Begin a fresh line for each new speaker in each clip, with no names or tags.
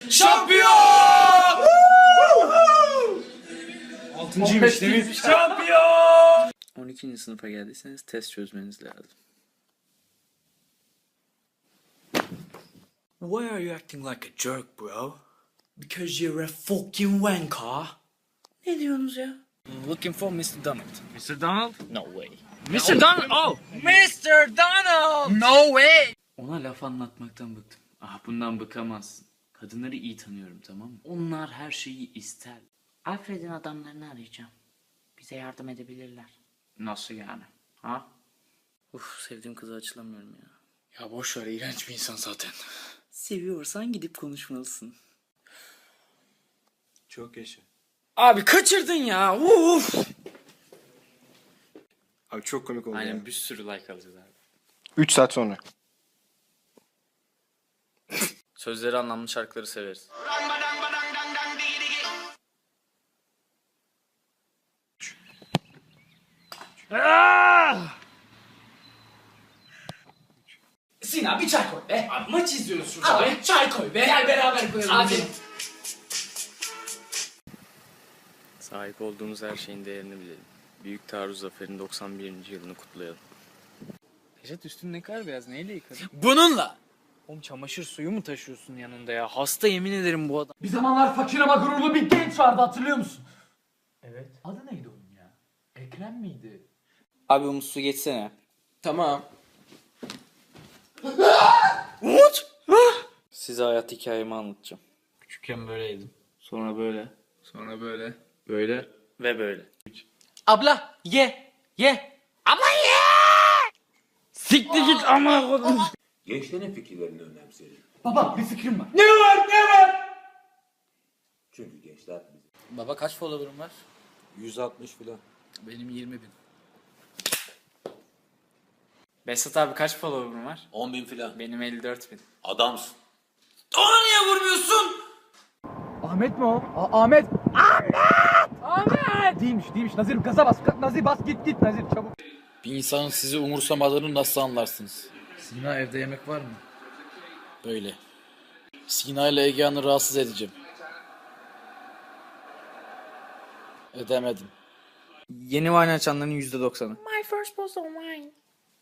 Şampiyon!
Altıncıymış değil mi?
Şampiyon! 12. sınıfa geldiyseniz test çözmeniz lazım. Why are you acting like a jerk, bro? Because you're a fucking wanker. Ne diyorsunuz ya? Looking for Mr. Donald.
Mr. Donald?
No way.
Mr. Donald! Oh!
Mr. Donald!
No way!
Ona laf anlatmaktan bıktım. Ah, bundan bıkamazsın. Kadınları iyi tanıyorum, tamam mı? Onlar her şeyi ister. Alfred'in adamlarını arayacağım. Bize yardım edebilirler. Nasıl yani? Ha? Uf, sevdiğim kıza açılamıyorum ya.
Ya boş ver, iğrenç bir insan zaten.
Seviyorsan gidip konuşmalısın.
Çok yaşa.
Abi kaçırdın ya. Uf.
Abi çok komik oldu
Aynen,
ya.
bir sürü like alacağız abi.
3 saat sonra.
Sözleri anlamlı şarkıları severiz.
Sinan bir çay koy be.
Abi maç izliyoruz şurada.
Abi çay koy be.
Gel beraber koyalım.
Abi.
Sahip olduğumuz her şeyin değerini bilelim. Büyük Taarruz Zaferi'nin 91. yılını kutlayalım. Necdet, üstün ne kadar beyaz, neyle yıkadın?
Bununla.
Oğlum çamaşır suyu mu taşıyorsun yanında ya? Hasta, yemin ederim bu adam.
Bir zamanlar fakir ama gururlu bir genç vardı, hatırlıyor musun? Evet. Adı neydi onun ya? Ekrem miydi?
Abi Umut, su geçsene.
Tamam.
Umut! Size hayat hikayemi anlatacağım.
Küçükken böyleydim.
Sonra böyle.
Sonra böyle.
Böyle. Ve böyle.
Abla ye. Ye. Abla ye.
Siktir git ama kodum.
Gençlerin fikirlerini önemseyelim.
Baba bir fikrim var.
Ne var ne var?
Çünkü gençler bizim.
Baba kaç follower'ın var?
160 filan.
Benim 20.000.
Besat abi kaç follower'ın var?
10.000 filan.
Benim 54.000.
Adamsın.
Ona niye vurmuyorsun?
Ahmet mi o? Ahmet. Ahmet. Değilmiş. Nazir gaza bas. Nazir bas git Nazir çabuk.
Bir insanın sizi umursamadığını nasıl anlarsınız?
Sina evde yemek var mı?
Böyle. Sina ile Egehan'ı rahatsız edeceğim. Edemedim.
Yeni wine açanların %90'ı.
My first bottle of wine.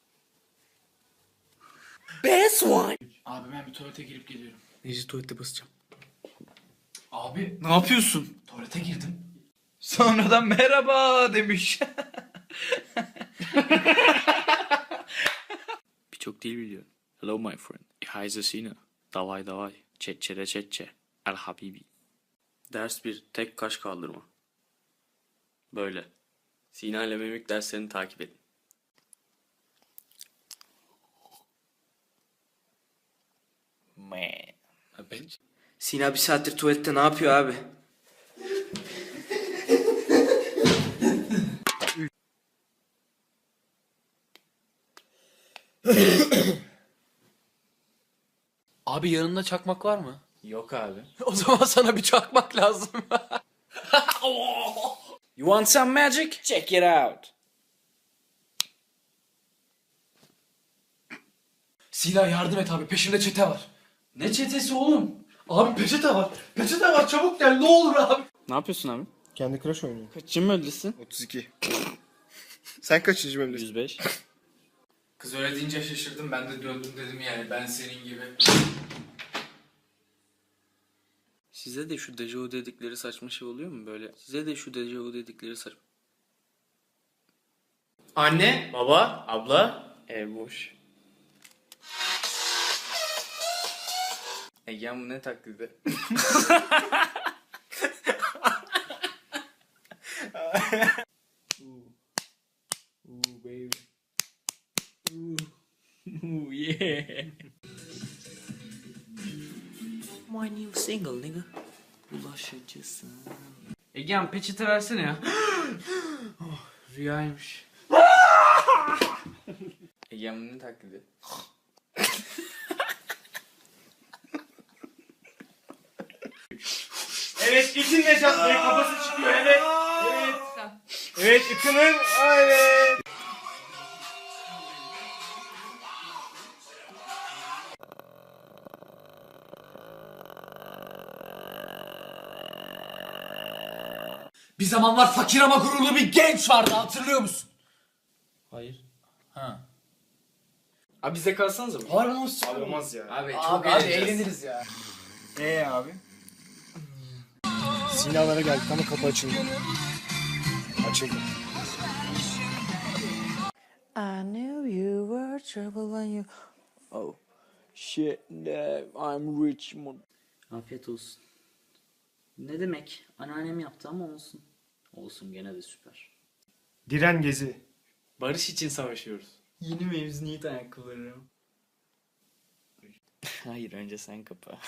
Best wine.
Abi ben bir tuvalete girip geliyorum.
Necdet, tuvalette basacağım.
Abi
Ne yapıyorsun?
tuvalete girdim.
Sonradan merhaba demiş. Birçok dil biliyor. Hello my friend. Ich heiße Sina. Davay davay. Çetçere çetçe. El habibi. Ders 1. Tek kaş kaldırma. Böyle. Sina ile mimik derslerini takip edin. Sina bir saattir tuvalette ne yapıyor abi?
Abi yanında çakmak var mı?
Yok abi.
O zaman sana bir çakmak lazım.
You want some magic? Check it out.
Sina yardım et abi, peşinde çete var.
Ne çetesi oğlum?
Abi peçete var. Peçete var, çabuk gel ne olur abi.
Ne yapıyorsun abi?
Kendi Crash oynuyor.
Kaçıncı bölgesin?
32. Sen kaçıncı bölümdesin?
105.
Kız öyle deyince şaşırdım, ben de döndüm dedim yani ben senin gibi.
Size de şu dejavu dedikleri saçma şey oluyor mu böyle? Size de şu dejavu dedikleri saçma... Anne, baba, abla, ev boş. Egehan bu ne taklidi? Ooh baby. Ooh yeah. My new single nigga. Bulaşıcısın. Egehan peçete versene ya. Oh, rüyaymış. Egehan bu ne taklidi?
Evet, itin Necat Bey kafası çıkıyor, evet. Evet, itinin, evet.
Bir zamanlar fakir ama gururlu bir genç vardı, hatırlıyor musun?
Hayır.
Ha.
Abi bize kalsanıza mı?
Harbi nasıl?
Abi olmaz ya.
Abi çok eğleniriz ya.
Abi?
Sinalara geldik ama kapı açıldı. Açıldı.
I knew you were trouble when you... Oh, shit, I'm Richmond.
Afiyet olsun. Ne demek? Anneannem yaptı ama olsun. Olsun, gene de süper.
Diren gezi. Barış için savaşıyoruz. Yeni mevzuniyet ayakkabıları.
Hayır, önce sen kapa.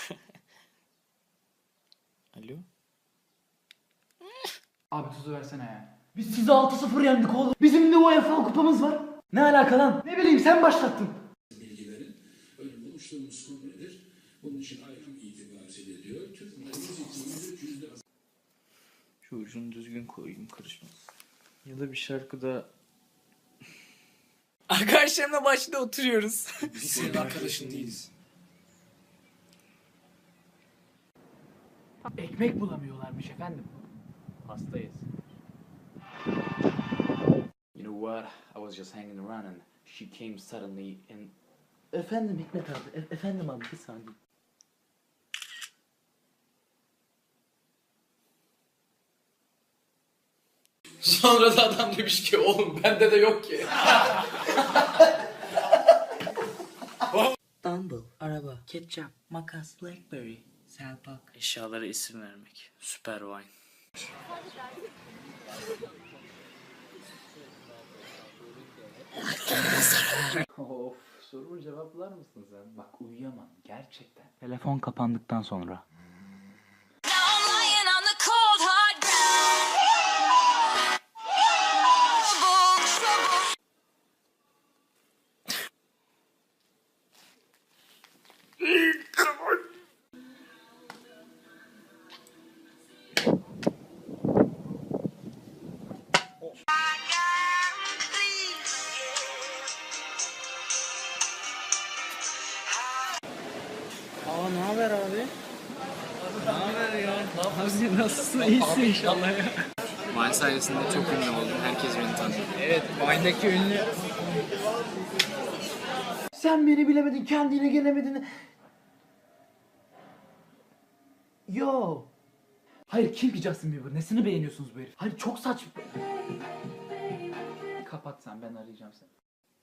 Alo?
Abi tuzu versene ya. Biz sizi 6-0 yendik oğlum. Bizim de UEFA kupamız var. Ne alaka lan? Ne bileyim, sen başlattın.
Şu ucunu düzgün koyayım, karışmaz. Ya da bir şarkıda... Arkadaşlarımla başta oturuyoruz.
Biz senin arkadaşın değiliz. Ekmek bulamıyorlarmış efendim.
Hastayız. You know what? I was just hanging around and she came suddenly and... Efendim Hikmet abi, efendim abi, bir saniye.
Sonra da adam demiş ki oğlum bende de yok ki.
Dumble, araba, ketçap, makas, blackberry, selpak. Eşyalara isim vermek. Süper wine.
Of, sorumu cevaplar mısın sen? Bak uyuyamam gerçekten. Telefon kapandıktan sonra.
Aa, ne haber abi? Ne haber ya? Ne yapıyorsun? Nasılsın? İyisin inşallah ya. Vine sayesinde çok ünlü oldum. Herkes beni tanıyor.
Evet, Vine'daki ünlü. Sen beni bilemedin, kendine gelemedin. Yo. Hayır, kim ki Justin Bieber? Nesini beğeniyorsunuz bu herif? Hayır, çok saçma. Kapat sen, ben arayacağım seni.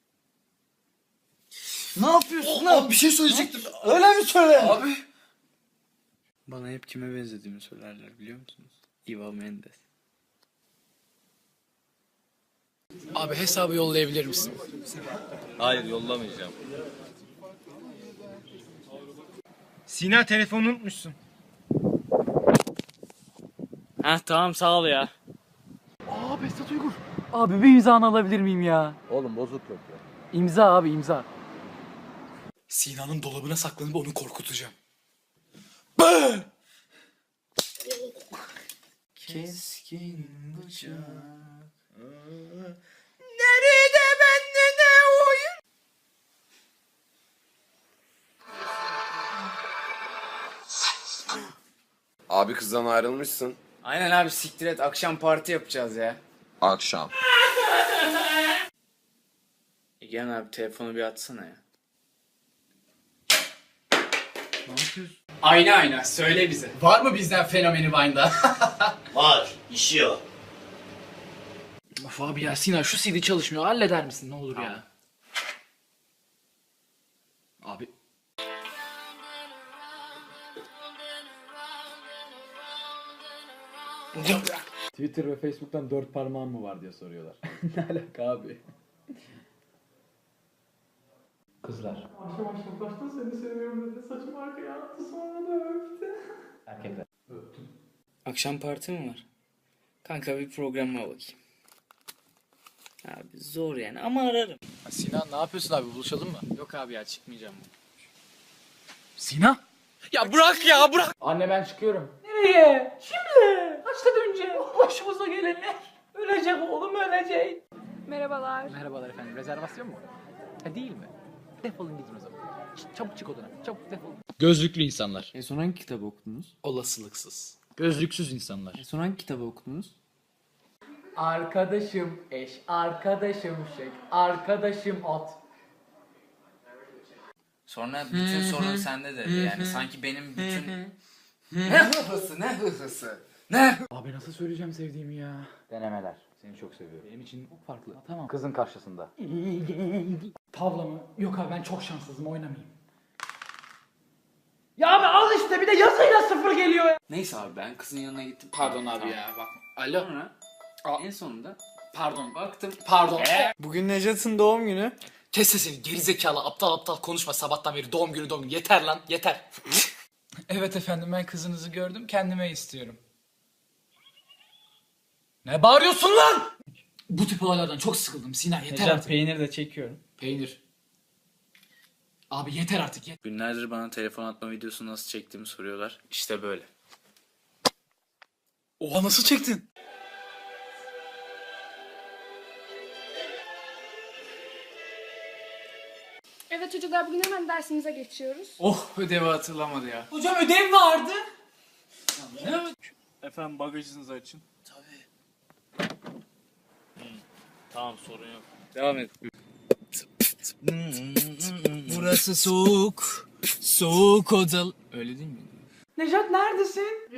Ne yapıyorsun lan? Bir şey söyleyecektim. Öyle mi söyle? Abi.
Bana hep kime benzediğimi söylerler, biliyor musunuz? Eva Mendes.
Abi hesabı yollayabilir misin?
Hayır, yollamayacağım.
Sina telefonunu unutmuşsun.
Heh, tamam, sağ ol ya.
Aa, Behzat Uygur. Abi bir imzanı alabilir miyim ya?
Oğlum bozuk yok ya.
İmza abi, imza.
Sinan'ın dolabına saklanıp onu korkutacağım.
Keskin bıçak.
Abi kızdan ayrılmışsın.
Aynen abi, siktir et, akşam parti yapacağız ya.
Akşam.
Gel abi, telefonu bir atsana ya.
Ayna söyle bize. Var mı bizden fenomeni Vine'da?
Var, işiyor.
Of abi ya, Sinan şu CD çalışmıyor, halleder misin ne olur ya? Abi. Twitter ve Facebook'tan 4 parmağın mı var diye soruyorlar. Ne alaka abi? Kızlar. Başta seni seviyorum dedi, saçımı arkaya attı, sonra da öptü. Erkekler. Öptüm.
Akşam parti mi var? Kanka bir programa bakayım. Abi zor yani ama ararım.
Sinan ne yapıyorsun abi? Buluşalım mı?
Yok abi ya, çıkmayacağım.
Sinan?
Ya bırak ya bırak.
Anne ben çıkıyorum. Nereye? Şimdi. Kaçta döneceğim? Başımıza gelenler. Ölecek oğlum, ölecek.
Merhabalar.
Merhabalar efendim. Rezervasyon mu? Ha, değil mi? Defolun gidin o zaman. Çabuk çık odana. Çabuk defol.
Gözlüklü insanlar.
En son hangi kitabı okudunuz?
Olasılıksız. Gözlüksüz insanlar.
En son hangi kitabı okudunuz?
Arkadaşım eş, arkadaşım şek, arkadaşım at.
Sonra bütün sorun sende dedi. Yani sanki benim bütün... Ne hıhısı, ne hıhısı.
Abi nasıl söyleyeceğim sevdiğimi ya?
Denemeler. Seni çok seviyorum.
Benim için çok farklı. Tamam.
Kızın karşısında.
Tavla mı? Yok abi ben çok şanssızım oynamayayım. Ya abi al işte bir de yazıyla sıfır geliyor ya.
Neyse abi ben kızın yanına gittim.
Pardon abi ya bak. Alo.
Sonra en sonunda
Pardon.
baktım.
Pardon.
Bugün Necat'ın doğum günü.
Kes sesini gerizekalı aptal konuşma sabahtan beri doğum günü. Yeter lan yeter.
Evet efendim ben kızınızı gördüm kendime istiyorum. Ne bağırıyorsun lan? Bu tip olaylardan çok sıkıldım Sinan yeter
Necat
artık.
peynir de çekiyorum.
Peynir. Abi yeter artık.
Günlerdir bana telefon atma videosu nasıl çektiğimi soruyorlar. İşte böyle.
Oha nasıl çektin?
Evet çocuklar bugün hemen dersimize geçiyoruz.
Oh ödevi hatırlamadı ya.
Hocam ödev vardı.
Efendim bagajınızı açın. Tamam sorun yok.
Devam et.
Burası soğuk. Soğuk odalı.
Öyle değil mi?
Necat neredesin?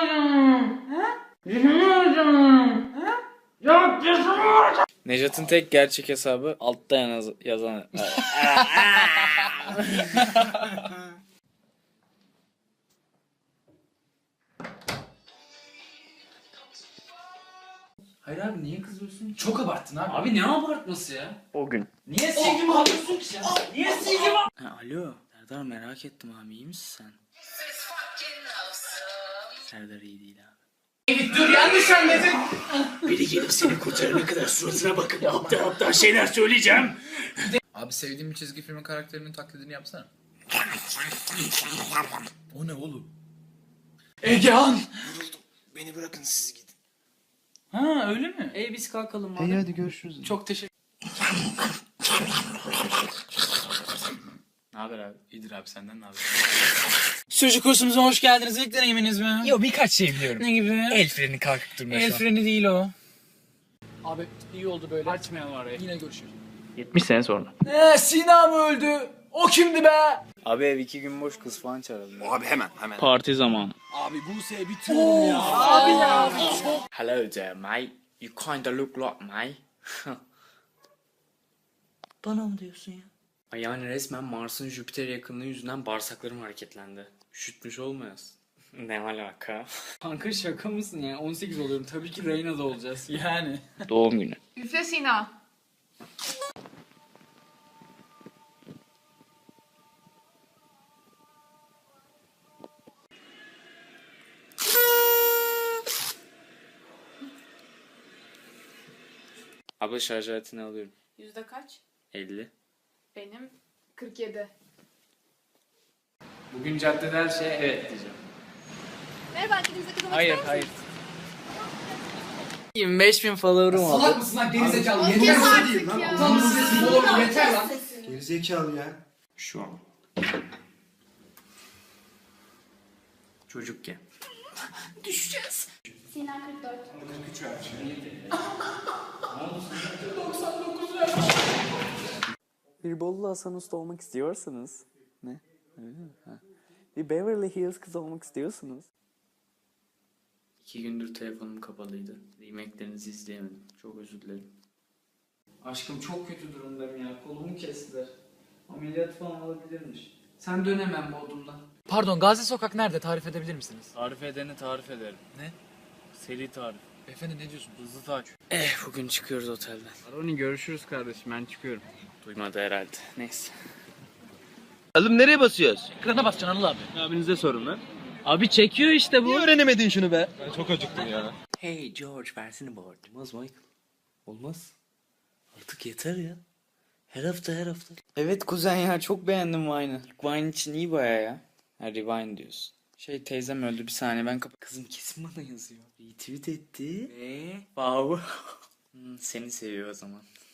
Necat'ın tek gerçek hesabı altta yazan. Hayır abi niye kızıyorsun ki?
Çok abarttın abi.
Abi ne abartması ya?
O gün.
Niye silgimi alıyorsun ki sen? Niye silgimi
Alo Serdar merak ettim abi iyi misin sen? Serdar iyi değil abi.
Dur yanlış anladın.
Biri gelip seni kurtarana kadar suratına bakıp aptal şeyler söyleyeceğim. Abi sevdiğim bir çizgi filmin karakterinin taklidini yapsana. O ne oğlum?
Egehan.
Beni bırakın siz gidin.
Ha öyle mi?
Biz kalkalım abi.
hadi görüşürüz.
Çok teşekkür.
Ne haber abi? İyidir abi senden ne haber?
Çocuk kursumuza hoş geldiniz. İlk deneyiminiz mi? Yok birkaç şey biliyorum. Ne gibi? El freni kalkıp durma El freni değil o.
Abi iyi oldu böyle.
Açmayalım orayı.
Yine görüşürüz.
70 sene sonra.
Sina mı öldü? O kimdi be?
Abi ev 2 gün boş kız falan çağıralım.
Abi hemen.
Parti zamanı.
Abi Buse'ye bitiyorum ya.
Abi ya.
Hello there mate. You kinda look like me. Bana mı diyorsun ya? Ay yani resmen Mars'ın Jüpiter yakınlığı yüzünden bağırsaklarım hareketlendi. Üşütmüş olmayasın. Ne alaka? Kanka şaka mısın ya? 18 oluyorum. Tabii ki Reyna'da olacağız.
Yani.
Doğum günü.
Üfle Sina.
Abla şarj aletini alıyorum.
Yüzde kaç?
50.
Benim 47.
Bugün caddede her şeye evet diyeceğim.
Merhaba kendinize katılmak
Hayır
ister misiniz?
hayır. 25.000 follower'ım oldu.
Salak mısın lan gerizekalı?
Yeter artık ya.
Utanma sesi oğlum yeter lan.
Gerizekalı ya.
Şu an. Çocukken.
Sina 44.
Bir Bolu Hasan Usta olmak istiyorsanız. Ne? Öyle mi? Ha. Bir Beverly Hills kız olmak istiyorsunuz.
2 gündür telefonum kapalıydı. Yemeklerinizi izleyemedim. Çok özür dilerim. Aşkım çok kötü durumdayım ya. Kolumu kestiler. Ameliyat falan olabilirmiş. Sen dönemem Bodrum'dan.
Pardon Gazi Sokak nerede? Tarif edebilir misiniz?
Tarif edeni tarif ederim.
Ne?
Seri tarif.
Beyefendi ne diyorsun?
Hızlı taç.
Bugün çıkıyoruz otelden.
Aroni görüşürüz kardeşim ben çıkıyorum.
Duymadı herhalde. Neyse.
Oğlum nereye basıyoruz?
Ekrana basacaksın Anıl abi.
Abinize sorun lan.
Abi çekiyor işte bu.
Niye öğrenemedin şunu be?
Ben çok acıktım ya.
Hey George versene bu arada. Olmaz Michael. Olmaz. Artık yeter ya. Her hafta her hafta. Evet kuzen ya çok beğendim Vine'ı. Vine için iyi baya ya. Ha Rewind diyorsun. Teyzem öldü bir saniye ben Kızım kesin bana yazıyor. Retweet etti. Ve wow. Seni seviyor o zaman.